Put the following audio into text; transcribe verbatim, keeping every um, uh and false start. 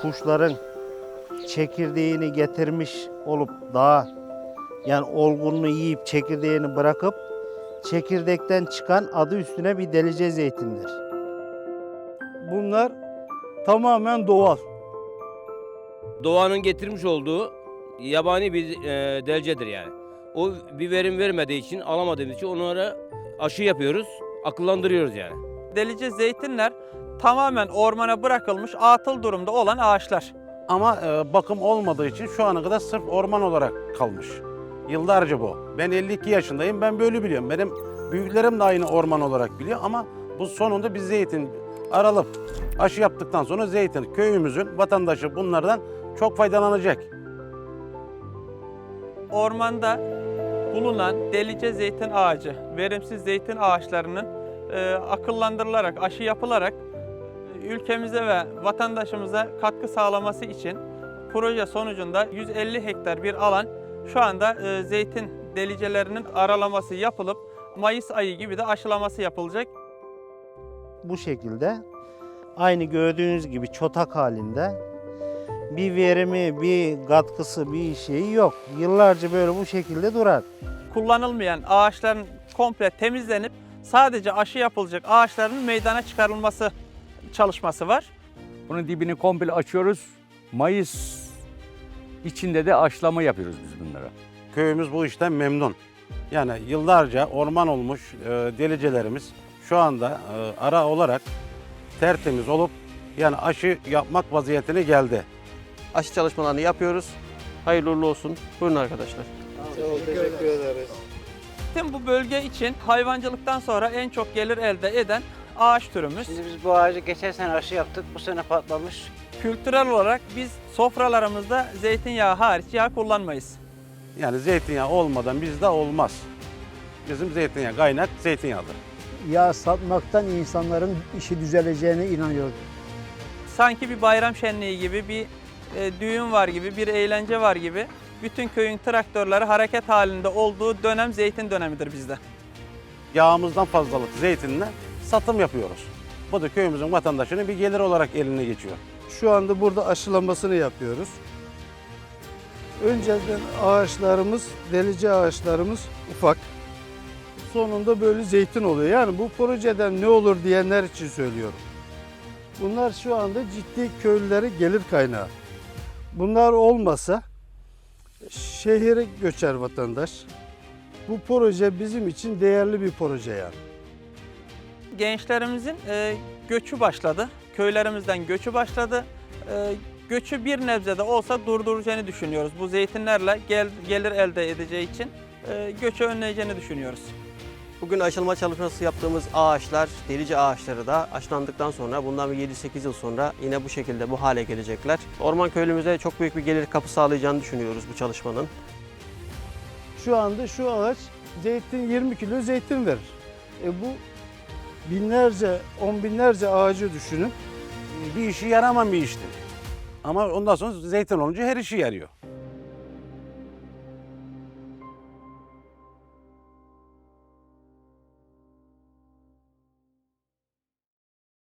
kuşların çekirdeğini getirmiş olup daha yani olgunluğu yiyip çekirdeğini bırakıp çekirdekten çıkan adı üstüne bir delice zeytindir. Bunlar tamamen doğal. Doğanın getirmiş olduğu yabani bir e, delcedir yani. O bir verim vermediği için, alamadığımız için onlara aşı yapıyoruz, akıllandırıyoruz yani. Delice zeytinler tamamen ormana bırakılmış atıl durumda olan ağaçlar. Ama e, bakım olmadığı için şu ana kadar sırf orman olarak kalmış. Yıllarca bu. Ben elli iki yaşındayım, ben böyle biliyorum. Benim büyüklerim de aynı orman olarak biliyor ama bu sonunda bir zeytin aralıp aşı yaptıktan sonra zeytin köyümüzün vatandaşı bunlardan çok faydalanacak. Ormanda bulunan delice zeytin ağacı, verimsiz zeytin ağaçlarının e, akıllandırılarak, aşı yapılarak e, ülkemize ve vatandaşımıza katkı sağlaması için proje sonucunda yüz elli hektar bir alan şu anda e, zeytin delicelerinin aralaması yapılıp Mayıs ayı gibi de aşılaması yapılacak. Bu şekilde aynı gördüğünüz gibi çotak halinde bir verimi, bir katkısı, bir şeyi yok. Yıllarca böyle bu şekilde durar. Kullanılmayan ağaçların komple temizlenip sadece aşı yapılacak ağaçların meydana çıkarılması çalışması var. Bunun dibini komple açıyoruz. Mayıs içinde de aşılama yapıyoruz biz bunlara. Köyümüz bu işten memnun. Yani yıllarca orman olmuş e, delicelerimiz şu anda e, ara olarak tertemiz olup yani aşı yapmak vaziyetine geldi. Aşı çalışmalarını yapıyoruz. Hayırlı uğurlu olsun. Buyurun arkadaşlar. Tüm bu bölge için hayvancılıktan sonra en çok gelir elde eden ağaç türümüz. Şimdi biz bu ağacı geçen sene aşı yaptık, bu sene patlamış. Kültürel olarak biz sofralarımızda zeytinyağı hariç yağ kullanmayız. Yani zeytinyağı olmadan bizde olmaz. Bizim zeytinyağı kaynak zeytinyağıdır. Yağ satmaktan insanların işi düzeleceğine inanıyorum. Sanki bir bayram şenliği gibi, bir e, düğün var gibi, bir eğlence var gibi bütün köyün traktörleri hareket halinde olduğu dönem zeytin dönemidir bizde. Yağımızdan fazlalık zeytinle satım yapıyoruz. Bu da köyümüzün vatandaşının bir gelir olarak eline geçiyor. Şu anda burada aşılamasını yapıyoruz. Önceden ağaçlarımız, delice ağaçlarımız ufak. Sonunda böyle zeytin oluyor. Yani bu projeden ne olur diyenler için söylüyorum. Bunlar şu anda ciddi köylülere gelir kaynağı. Bunlar olmasa şehire göçer vatandaş. Bu proje bizim için değerli bir proje yani. Gençlerimizin e, göçü başladı. Köylerimizden göçü başladı. E, göçü bir nebze de olsa durduracağını düşünüyoruz. Bu zeytinlerle gel, gelir elde edeceği için e, göçü önleyeceğini düşünüyoruz. Bugün aşılama çalışması yaptığımız ağaçlar, delice ağaçları da aşılandıktan sonra bundan bir yedi sekiz yıl sonra yine bu şekilde bu hale gelecekler. Orman köylümüze çok büyük bir gelir kapı sağlayacağını düşünüyoruz bu çalışmanın. Şu anda şu ağaç zeytin yirmi kilo zeytin verir. E bu binlerce, on binlerce ağacı düşünün. Bir işi yaramayan bir iştir. Ama ondan sonra zeytin olunca her işi yarıyor.